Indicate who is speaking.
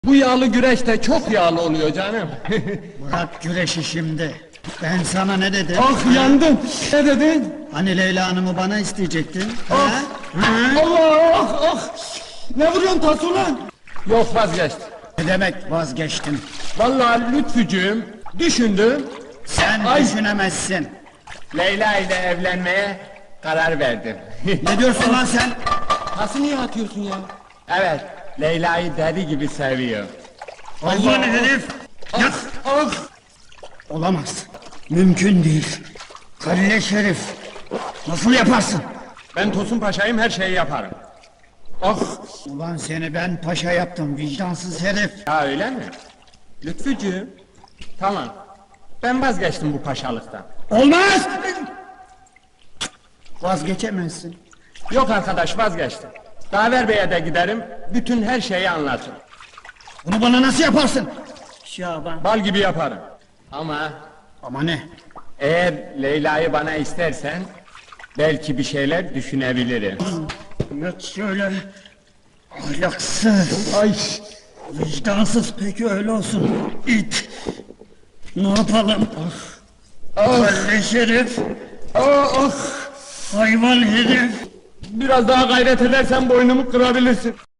Speaker 1: Bu yağlı güreş de çok yağlı oluyor canım.
Speaker 2: Bırak güreşi şimdi. Ben sana ne dedim?
Speaker 1: Ah yandım. Ne dedin?
Speaker 2: Hani Leyla Hanım'ı bana isteyecektin?
Speaker 1: Ah.
Speaker 2: Ha?
Speaker 1: Allah ah ah. Ne vuruyorsun tas ulan? Yok vazgeçtim.
Speaker 2: Ne demek vazgeçtin?
Speaker 1: Vallahi Lütfücüğüm düşündüm.
Speaker 2: Sen
Speaker 1: Ay.
Speaker 2: düşünemezsin.
Speaker 1: Leyla ile evlenmeye karar verdim.
Speaker 2: Ne diyorsun lan sen?
Speaker 1: Tası niye atıyorsun ya? Evet, Leyla'yı deli gibi seviyor.
Speaker 2: Hayvan herif! Yat!
Speaker 1: Ah!
Speaker 2: Olamaz. Mümkün değil. Kalleş herif. Nasıl yaparsın?
Speaker 1: Ben Tosun Paşa'yım, her şeyi yaparım. Ah!
Speaker 2: Ulan seni ben paşa yaptım vicdansız herif.
Speaker 1: Ya öyle mi? Lütfücüğüm, tamam. Ben vazgeçtim bu paşalıktan.
Speaker 2: Olmaz! Vazgeçemezsin.
Speaker 1: Yok arkadaş, vazgeçtim. Daver Bey'e de giderim, bütün her şeyi anlatırım.
Speaker 2: Bunu bana nasıl yaparsın? Şaban.
Speaker 1: Bal gibi yaparım. Ama
Speaker 2: Ama ne?
Speaker 1: eğer Leyla'yı bana istersen, belki bir şeyler düşünebilirim.
Speaker 2: Yat şöyle. Ahlaksız.
Speaker 1: Ay!
Speaker 2: Vicdansız, peki öyle olsun. İt. Ne yapalım?
Speaker 1: Ah!
Speaker 2: Kalleş herif.
Speaker 1: Ah! Ah!
Speaker 2: Hayvan herif.
Speaker 1: Biraz daha gayret edersen boynumu kırabilirsin.